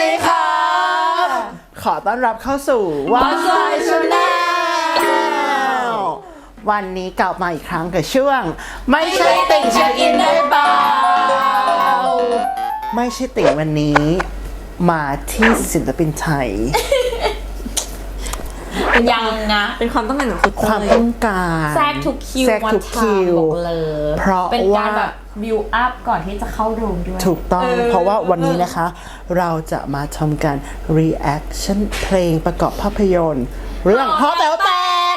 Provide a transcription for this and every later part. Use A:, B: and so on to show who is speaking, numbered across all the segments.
A: ดีค่ะขอต้อนรับเข้าสู่ What's My Channel วันนี้กลับมาอีกครั้งกับช่วงไม่ใช่ติ่งเช็คอินได้เปล่าไม่ใช่ติ่งวันนี้มาที่ศิลปินไทย
B: ยังนะ
C: เป็นความต้องการของคุณ
A: ความต้องการ
B: แทรกทุกคิว
A: แทรกทุกคิว
B: บอกเลย
A: เพราะ
B: เป็น
A: ว่า
B: การแบบบิวอัพก่อนที่จะเข้าโรงด้วย
A: ถูกต้องเพราะว่าวันนี้นะคะเราจะมาทำการ reaction เพลงประกอบภาพยนตร์เรื่องฮอแต๋วแตก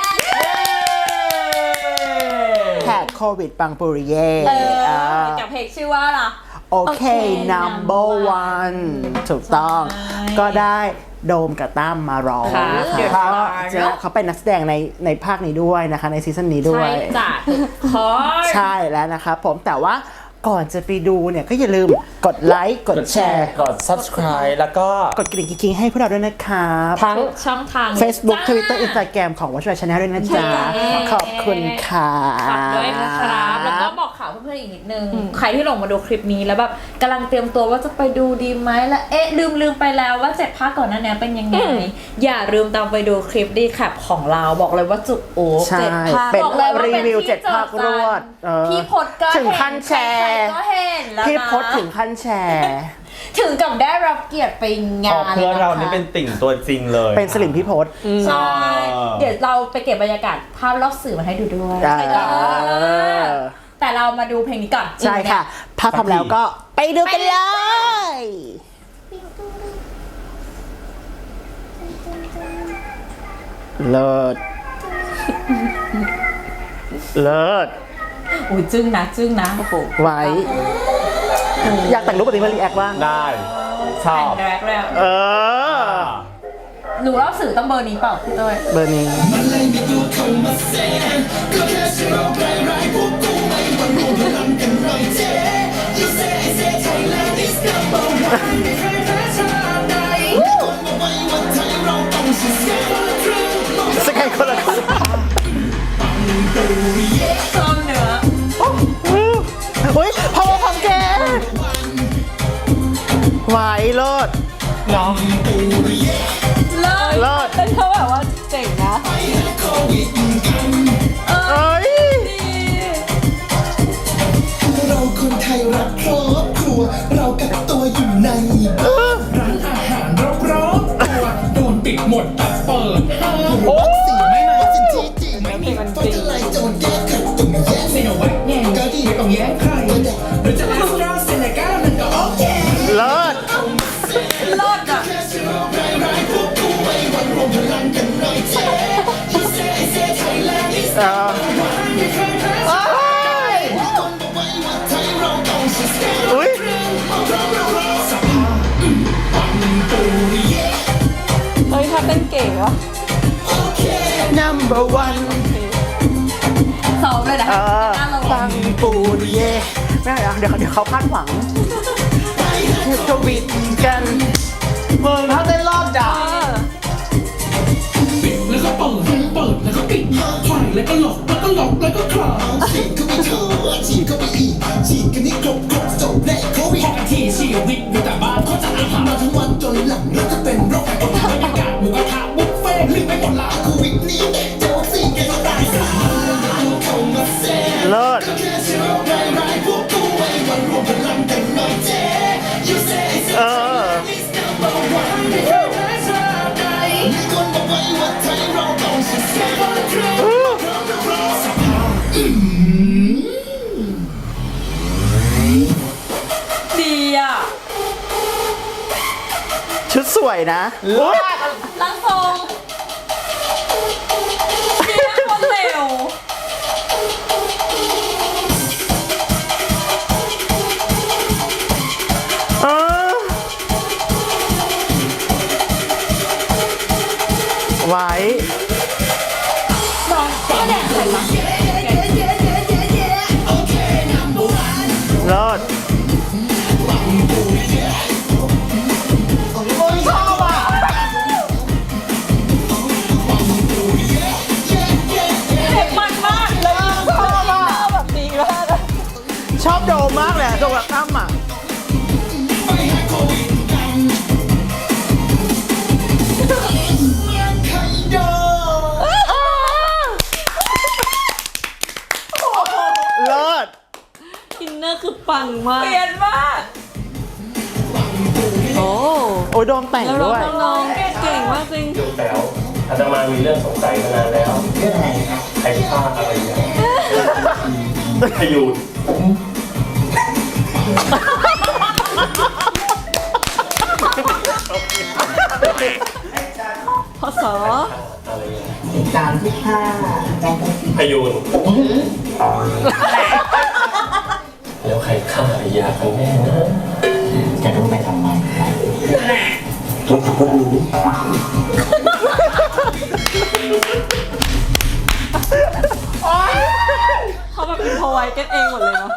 A: แหกโควิดปังปุริเย่
B: กับเพลงชื่อว่าอะไร
A: โอเค number one ถูกต้องก็ได้โดมกับตั้มมาร้องนะคะเขาเป็นนักแสดงในภาคนี้ด้วยนะคะในซีซั่นนี้ด้วย
B: ใช่จ้ะ
A: ใช่แล้วนะครับผมแต่ว่าก่อนจะไปดูเนี่ยก็อย่าลืมกดไลค์กดแชร์
D: กด subscribe แล้วก็
A: กดกริ่งกิ๊งให้พวกเราด้วยนะครับ
B: ทั้งช่องทาง
A: Facebook Twitter Instagram ของ What's My Channel ด้วยนะจ๊ะขอบคุณค่ะ
B: ฝากด้วยนะครับแล้วก็บอกข่าวเพื่อนๆอีกนิดนึงใครที่ลงมาดูคลิปนี้แล้วแบบกำลังเตรียมตัวว่าจะไปดูดีไหมแล้วลืมไปแล้วว่า7ภาคก่อนหน้านี้เป็นยังไงอย่าลืมตามไปดูคลิปดีแคปของเราบอกเลยว่าจุกโอ้7ภาค
A: เป็น
B: บอกเลยว่า
A: รี
B: เป็น
A: วิว
B: ที่
A: 7 ภาครวด
B: พี่พดก็
A: ถึงขั้นแชร์พี่พดถึงขั้นแชร์
B: ถึงกับได้รับเกียรติไปงาน
D: เพื่อนเรานี่เป็นติ่งตัวจริงเลย
A: เป็นสลิมพี่พด
B: ใช่เดี๋ยวเราไปเก็บบรรยากาศภาพรอบสื่อมาให้ดูด้วยแต่เรามาดูเพลงนี้ก่อน
A: ใช่ค่ะถ้าพร้อมแล้วก็ไปดูกันเลยเลิศเลิศ
B: อุ้ยจึ้งนะโอ้โห
A: ไว้อยากแต่งรูปแบบนี้มารีแอคบ้าง
D: ได้ชอบ
B: แต่งแรกแล้ว
A: อ
B: หนูเล่าสื่อต้องเบอร์นี้เปล่าพี่เต้ย
A: เบอร์นี้สกายคนละคน
B: ซ้อมเนื้อ
A: อุ้ยพาวเวอร์ของแกไหวเลิศ
D: เนาะ
A: เลิศ
B: แต่เขาแบบว่าเจ๋งนะ
A: เอ้ย
E: เราคนไทยรักครอบครัวเรากักตัวอยู่ในร้านอาหารรอบๆตัวโดนปิดหมดแต่เปิดโอ้สีไม่มาสินที่จริงไม่มีมันจริงไล่โจรแก้ขัดตุ่มแย่ไม่เอาไว้แย่ก็ดีไม่ต้องแย่ใครหรือจะมาสตราเซเนก้ามันก็โอเค
A: เลิศ
B: อ่ะ
A: อุ้ย
C: เฮ้ยถ้าเต้นเก่งวะ
A: number one
B: ซ้อมเลยนะ
A: ปังปูริเย่ไม่เอาเดี๋ยวเขาคาดหวังทวิตกันเมืองเขาเต้นรอบจ้ะ
E: ปิดแล้วก็เปิดแล้วก็ปิดไฟแล้วก็หลอกแล้วก็คลาฉีดเข้าไปเถอะฉีดเข้าไปอีกฉีดกันนี่ครบจบแน่โควิดพอกันทีชีวิตอยู่แต่บ้านเขาจะอาหารมาทั้งวันจนหลังเราจะเป็นโรคบรรยากาศหมูกระทะบุฟเฟ่ลืมไปหมดละโควิดนี้เจ้าสิ่งกันตายสา
A: เลิศ
B: ดีอ่ะ
A: ชุดสวยนะ
B: ลังทรงดีนะคนเร็ว
A: ไว้
B: น้องก็แดงใส่มา
A: เลิศชอบอ่ะ
B: มันมากเลย
A: ชอบอ่ะแบบดีมากชอบโดมมากเลยโดมกับตั้มอ่ะโอ้ยโดมแต่ง
C: แล้ว
A: ด้วย
C: น้องเก่งมากจริง
F: ดูแปลวอาตมามีเรื่องสงสัยมานานแล้วใครฆ่าอะไรเนี่ยพยูน
C: พศ
F: อะไรเนี่ยพยูนแล้วใครฆ่าอายากันแน่นะแกต้องไปทำไมทุกคนก็รู้
C: เขาแบบอินโทรไว้กันเองหมดเลยเนาะ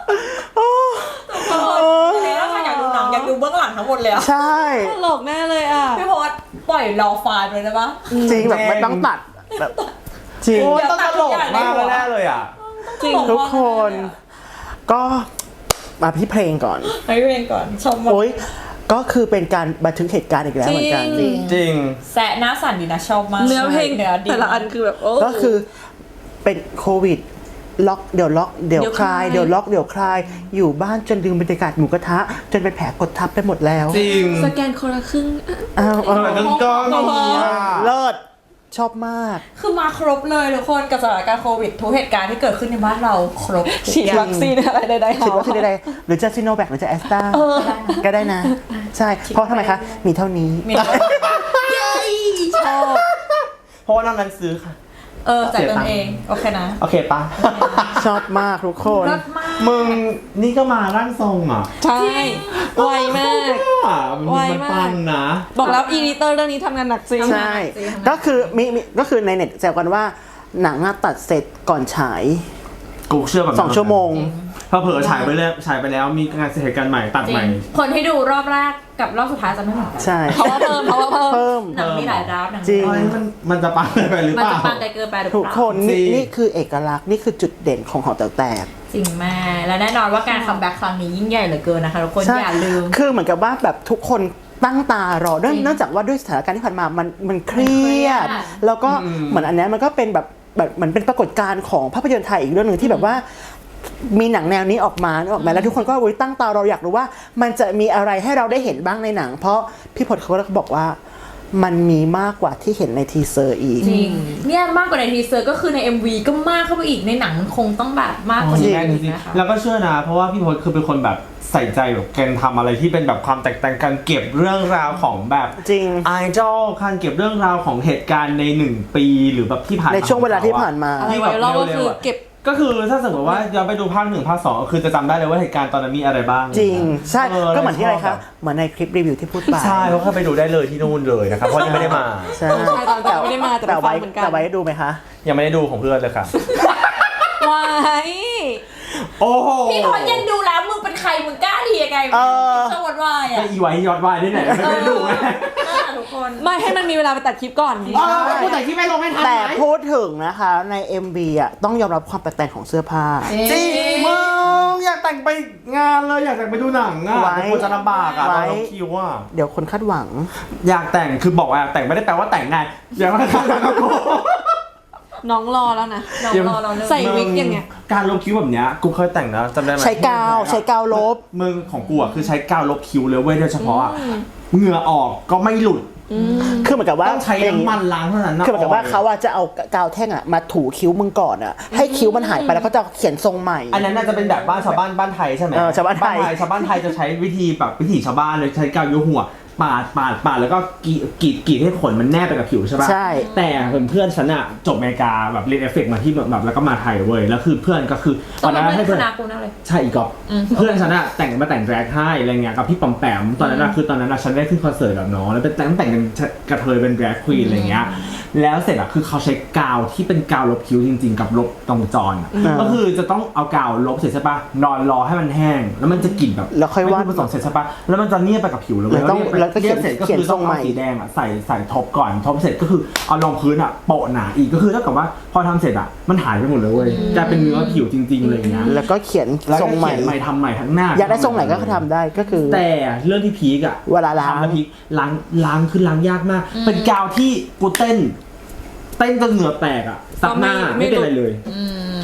B: ถ้าใครอยากดูหนังอยากดูเบื้องหลังทั้งหมดเลยอะ
A: ใช่
C: ตลกแน่เลยอ่ะ
B: พี่โพสปล่อยรอไฟล์เลยได้ปะ
A: จริงแบบไม่ต้องตัดแบบจริง
D: โอ้ยต้องตลกมากแน่เลยอ่ะ
C: จริง
A: ทุกคน ก็มาพี่เพลงก่อน
B: ให้เพลงก่อนชม
A: โอ้ยก็คือเป็นการบันทึกเหตุการณ์อีกแล้วเหมือนกัน
D: จริง
B: แซะหน้าสั่นดีนะชอบมาก
C: เนื้อเพลง
B: เนื้อดี
C: แต่ละอันคือแบบโอ้
A: ก็คือเป็นโควิดล็อกเดี๋ยวล็อกเดี๋ยวคลายเดี๋ยวล็อกเดี๋ยวคลายอยู่บ้านจนลืมบรรยากาศหมูกระทะ จนเป็นแผลกดทับไปหมดแล้ว
D: จริง
C: สแกนคนละครึ่ง
A: อ้าว
D: ทำไมต้องก้อนนี้อ่ะ
A: เลิศชอบมาก
B: คือมาครบเลยทุกคนกับสถานการณ์โควิดทุกเหตุการณ์ที่เกิดขึ้นในบ้านเราครบ
C: ฉีดวัคซีนอะไรใดๆ
A: ฉีดวัคซีนใดๆหรือจะซิโนแวคหรือจะแอสตราก็ได้นะ ใช่ เพราะทำไมคะ มีเท่านี้
B: มีชอบ
D: เพราะว่านอกนั้นซื้อค่ะ
B: จ่ายเงินเองโอเคนะ
D: โอเคปะ
A: ชอบมากทุกคน
B: รสมาก
D: มึงนี่ก็มาร่างทรงอ่ะ
C: ใช่ไวมาก ไว
D: มัน
C: มาก
D: ปังนะ
C: บอกแล้วอีดิเตอร์เรื่องนี้ทำงานหนักจริง
A: ใช่ ก็คือก็คือในเน็ตแซวกันว่าหนังอะตัดเสร็จก่อนฉาย
D: กูเชื่อแบบนั้น
A: 2 ชั่วโมง
D: เผลอๆฉายไปแล้วมีงานเหตุการณ์ใหม่ตัด
B: จริ
D: ใหม่
B: งคนที่ดูรอบแรกกับรอบสุดท้ายจะไม่เหมือนกัน
A: ใช่
C: เพราะว่าเพิ่ม
A: เพิ่ม
B: หนังมีหลายราวหนัง
A: จริง
D: เฮ้ยมันจะปังไปหรือ
B: มัน
D: เป
B: จะ
D: ล่า
B: ปังไกลเกินไปหรือเป
A: ทุก
B: ล่า
A: คนนี่
D: จริง
A: นี่คือเอกลักษณ์นี่คือจุดเด่นของหอแต๋วแตก
B: จริงแม่และแน่นอนว่าการคัมแบ็กครั้งนี้ยิ่งใหญ่เหลือเกินนะคะทุกคน
A: ใช่
B: อย่าลืม
A: คือเหมือนกับว่าแบบทุกคนตั้งตารอเนื่องจากว่าด้วยสถานการณ์ที่ผ่านมามันเครียด แล้วก็เหมือนอันเนี้ยมันก็เป็นแบบเหมือนเป็นปรากฏการณ์ของภาพยนตร์ไทยอีกเรื่องหนึ่งที่แบบว่ามีหนังแนวนี้ออกมาแล้วทุกคนก็ตั้งตารออยากรู้ว่ามันจะมีอะไรให้เราได้เห็นบ้างในหนัง เพราะพี่พลเขาก็บอกว่ามันมีมากกว่าที่เห็นในทีเซอร์อีก
B: จริงเนี่ยมากกว่าในทีเซอร์ก็คือใน MV ก็มากเข้าไปอีกในหนังมันคงต้องแบบมากกว่านี้
D: จริง
B: นะคะ
D: แล้วก็เชื่อนะ เพราะว่าพี่พศคือเป็นคนแบบใส่ใจแบบการทำอะไรที่เป็นแบบความแตกต่างการเก็บเรื่องราวของแบบ
A: จริง
D: ไอดอลการเก็บเรื่องราวของเหตุการณ์ใน1 ปีหรือแบบที่ผ่านมา
A: ในช่วงเวลาที่ผ่านมา
C: อะไรไวรัลก็คือเก็บ
D: ก็คือถ้าสมมติว่าย้อนไปดูภาค 1 ภาค 2คือจะจำได้เลยว่าเหตุการณ์ตอนนั้นมีอะไรบ้าง
A: จริงใช่
D: เออ
A: ก็เหมือนที่อะไร
D: ช
A: คะ
D: บแบบ
A: เหมือนในคลิปรีวิวที่พูดไป
D: ใช่เขาเข้าไปดูได้เลยที่นู่นเลยนะครับเพราะยังไม่ได้มา
A: ใช่
C: ใช่ตอนก่อนไม่ได้มาแต่ไปฟังเหมือนกัน
A: แต่ไว้ดูไหมคะ
D: ยังไม่ได้ดูของเพื่อนเลยค่ะ
C: ไว้
D: โอ้โห
B: พี่พอยังดูแล้วมึงเป็นใครมึงกล้าดียังไงมึงสวัสดิ์วาย
D: ก็
B: อ่ะ
D: อีไว้ยอดวายได้ไหนไม่ได้ดูไง
B: ทุกคน
C: ไม่ให้มันมีเวลาไปตัดคลิปก่อน
D: กูแต่ที่ไม่ลงให้ทัน
A: แต่พูดถึงนะคะใน MV อ่ะต้องยอมรับความแตกต่างของเสื้อผ้า
D: จริงมึงอยากแต่งไปงานเลยอยากแต่งไปดูหนังอ่ะ
A: ไว้
D: แต่คนจะลำบากอ่ะต
A: ไว้
D: อนลงคิวอ่ะ
A: เดี๋ยวคนคาดหวัง
D: อยากแต่งคือบอกว่าอยากแต่งไม่ได้แปลว่าแต่งง่ายอยากมาทำกับกู
C: น้องรอแล้วนะ
B: น้องรอเราเรื่อง
C: ใส่วิกอย่างเงี้ย
D: การลบคิ้วแบบเนี้ยกูเคยแต่งนะจำได้ไหม
A: ใช้กาวลบ
D: มึงของกูอ่ะคือใช้กาวลบคิ้วเลยเว้ยโดยเฉพาะอ่ะเหงื่อออกก็ไม่หลุด
A: คือเหมือนกับว่า
D: ต้องใช้น้ำมันล้างเท่านั้นนะ
A: คือเหมือนกับว่าเขาอะจะเอากาวแท่งอะมาถูคิ้วมึงก่อนอะให้คิ้วมันหายไปแล้วก็จะเขียนทรงใหม่
D: อันนั้นน่าจะเป็นแบบบ้านชาวบ้านไทยใช่ไหม
A: ชาวบ้านไทย
D: ชาวบ้านไทยจะใช้วิธีแบบวิถีชาวบ้านเลยใช้กาวยุหัวปาดแล้วก็กรีดให้ขนมันแนบไปกับผิวใช่ป่ะ
A: ใช่
D: แต่เพื่อนฉันอะจบอเมริกาแบบเรียนเอฟเฟกต์มาที่แบบแล้วก็มาไทยเว้ยแล้วคือเพื่อนก็คือ
B: ตอนนั้น
D: ให้
B: ไม่
D: เพื่
B: ค
D: อน
B: ณะกูนั่นเลย
D: ใช่อีกอบเพื่อนฉันอะแต่งแดรกให้อะไรเงี้ยกับพี่ปอมแปมตอนนั้นอะคือตอนนั้นอะฉันได้ขึ้นคอนเสิร์ตกับน้องแล้วเป็นแต่งเป็นกระเทยเป็นแดรกควีนอะไรเงี้ยแล้วเสร็จอะคือเขาใช้กาวที่เป็นกาวลบคิ้วจริงๆกับลบตรงจรอะก็คือจะต้องเอากาวลบเสร็จใช่ปะนอนรอให้มันแห้งแล้วมันจะกลิ่นแบบ
A: แล้วค่อยวาด
D: ไม่ผสมเสร็จใช่ปะแล้วมันจะเนียบไปกับผิวเลยเว้ย
A: แล้วก็เขียน
D: เสร็จก็
A: เขียน
D: คือ
A: ท
D: ต้
A: ร
D: อง
A: งใหม่
D: เอาสีแดงอะใส่ท็อปก่อนท็อปเสร็จก็คือเอารองพื้นอะโปะหนาอีกก็คือเท่ากับว่าพอทำเสร็จอะมันหายไปหมดเลยเว้ยกลายเป็นเนื้อผิวจริงๆอะไรอย่างเงี้ย
A: แล้วก็เขียน
D: แล้ว
A: ทร
D: ก็
A: งใหม่
D: เขียนใหม่ทำใหม่ทั้งหน้า
A: อยากได้ทรงไหนก็ทำได้ก็คือ
D: แต่เรื่องที่พีกอะ
A: เวลาล้าง
D: ทำแล้วพีคล้างคือล้างยากมาก เป็นกาวที่กูเต้นจนเหงื่อแตกอะซักหน้า
C: ไม่
D: ไม่เป็นไรเลย
C: ค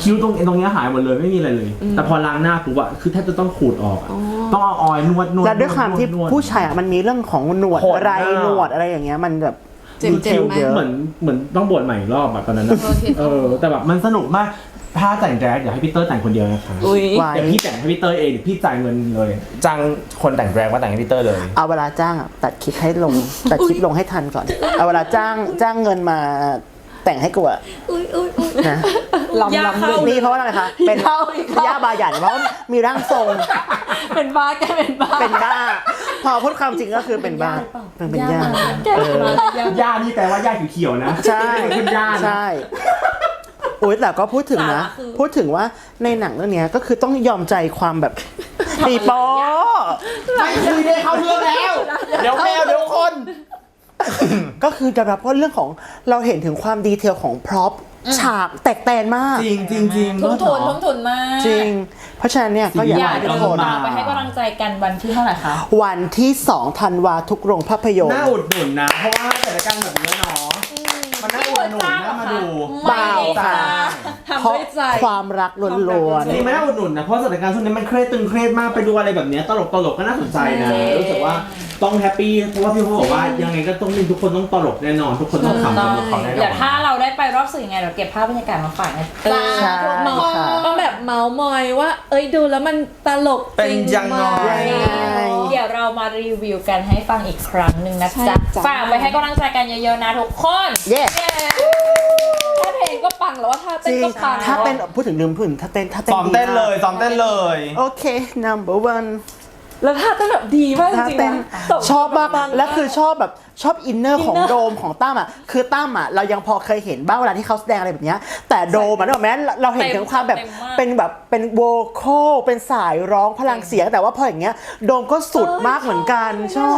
D: คิ้วตรงเนี้ยหายหมดเลยไม่มีอะไรเลย แต่พอล้างหน้าปุ๊บอะคือแทบจะต้องขูดออกอะต้องเอาออยล์นวด
A: และด้วยความที่
D: นวด
A: ผู้ชายอะมันมีเรื่องของหนวด
D: โหด
A: ไร
D: มาก
A: หนวดอะไรอย่างเงี้ยมันแบบ
C: เจ็บ
A: คิ้ว
C: ไหม
A: เยอะ
D: เหมือนต้องบวชใหม่อีกรอบอะตอนนั้นอะแต่แบบมันสนุกมากถ้าแต่งแดรกอยากให้พี่เตอร์แต่งคนเดียวนะคะ
C: อุ้ย
A: ไว้
D: เดี๋ยวพี่แต่งให้พี่เตอร์เองเดี๋ยวพี่จ่ายเงินเลยจ้างคนแต่งแดรกมาแต่งให้พี่เตอร์เลย
A: เอาเวลาจ้างอะตัดคลิปให้ลงตัดคลิปลงให้ทันก่อน เอาเวลาจ้างเงินมาแต่งให้กูอะนะ
B: ยาเข้า
A: นี่เพราะว่าอะไรคะเป็น
C: เข้าอีกเข้า
A: ย่าบาหยันเพราะว่ามีร่างทรง
C: เป็นบ้าแกเป็นบ้า
A: เป็นบ้า พอพูดความจริงก็คือเป็นบ้าเป็นย่าเออ
D: ย่านี่แปลว่าย่าเขียวๆนะ
A: ใช่
D: เป็นย่านะ
A: ใช่โอ๊ยแต่ก็พูดถึงนะ
B: สาระคือ
A: พูดถึงว่าในหนังเรื่องเนี้ยก็คือต้องยอมใจความแบบตีโป
D: ไม่คุยได้เข้าเรื่องแล้ว เดี๋ยวแมวเดี๋ยวคน
A: ก็คือจะรับว่าเรื่องของเราเห็นถึงความดีเทลของพร็อพฉากแตกแตนมาก
D: จริงจริงจริง
B: ทุ่มทุนมาก
A: จริง เพราะฉะนั้นเนี่ยก็อยาก
B: อยาก
A: ให้
B: ให้
A: ทุ
B: ทุ
A: ก
B: ก
A: ค
B: คน นตามไปให้กำลังใจกันวันที่เท่าไหร่คะ
A: วันที่ 2 ธันวาทุกโรงภาพยนต
D: น่า
A: ร์
D: อุดหนุนนะ เพราะว่าสถานการณ์แบบนี้เนาะมันน่าอุดหนุนน่ามาดู
A: เปล่าค่ะ
C: ทำ
A: เพราะ
C: ด้วยใจ
A: ความรักล้วน
D: นี่มันน่าอุดหนุนนะ เพราะสถานการณ์ช่วงนี้มันเครียดตึงเครียดมากไปดูอะไรแบบเนี้ยตลกก็น่าสนใจนะ รู้สึกว่าต้องแฮปปี้เพราะว่าพี่เขาบอกว่ายังไงก็ต้องมีทุกคนต้องตลกแน่นอน ทุกคนต้องขำกับเขาแน่น
B: เดี๋
D: อ
B: ยวถ้าน เราได้ไปรอบสื่อยังไงเราเก็บภาพบรรยากาศมาฝากนะจ๊ะ
A: ๆใช่
C: เมา
A: ค่ะ
C: ต้องแบบเมาส์มอยว่า เอ้ยดูแล้วมันตลก
D: เป็น
C: จริง
D: ยังไง
C: ไหม
B: เดี๋ยวเรามารีวิวกันให้ฟังอีกครั้งหนึ่งนะจ๊ะ
C: ใช่จ้ะ
B: ฝากไปให้กำลังใจกันเยอะๆนะทุกคน
A: เย้
C: ถ้าเพลงก็ปังแล้วว่าถ้า
A: จ
C: เต้น
A: ริง
C: ก็ปัง
A: ถ้าเต้นพูดถึงลืมพูดถึงถ้าเต้น
D: ซ้อม
A: ดี
D: เต้น
A: มาก
D: เลยซ้อมเต้นเลย
A: โอเค number one
C: แล้วถ้าเต้นแบบดีมากจ
A: ถ้า
C: ริงๆ
A: เต้น
C: นะ
A: ชอบมาก
C: ปัง
A: และคือชอบแบบชอบอินเนอร์ของ
C: inner
A: โดมของตั้มอ่ะคือตั้มอ่ะเรายังพอเคยเห็นบ้างเวลาที่เขาแสดงอะไรแบบเนี้ยแต่โดมอ่ะนึกออกไหมเราเห็นถึงความแบบ
B: เต็มมาก
A: เป็นแบบเป็นโวคอลเป็นสายร้องพลังเสียงแต่ว่าพออย่างเงี้ยโดมก็สุดมากเหมือนกันชอบ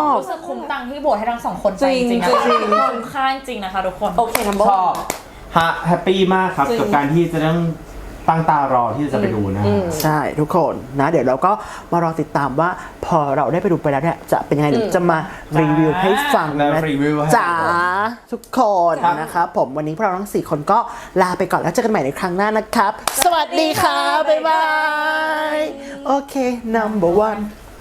B: รู้สึกคุ้มตังค์ที่โบสให้ทั้งสองคนไปจริงๆนะ
C: จริง
B: คุ้มค่าจริงๆนะคะทุกคน
C: โอเคนัมเบอ
D: ช
C: ร์
D: อบแฮปปี้มากครับ
C: จริง
D: กับการที่จะต้องตั้งตารอที่จะไปดูนะ
A: ใช่ทุกคนนะเดี๋ยวเราก็มารอติดตามว่าพอเราได้ไปดูไปแล้วเนี่ยจะเป็นยังไงเดี๋ยวจะมารีวิวให้ฟังนะ
D: รีวิวให้
A: จ๋าทุกคนนะครับผมวันนี้พวกเราทั้ง4คนก็ลาไปก่อนแล้วเจอกันใหม่ในครั้งหน้านะครับ สวัสดีค่ะ บ๊ายบาย โอเค number one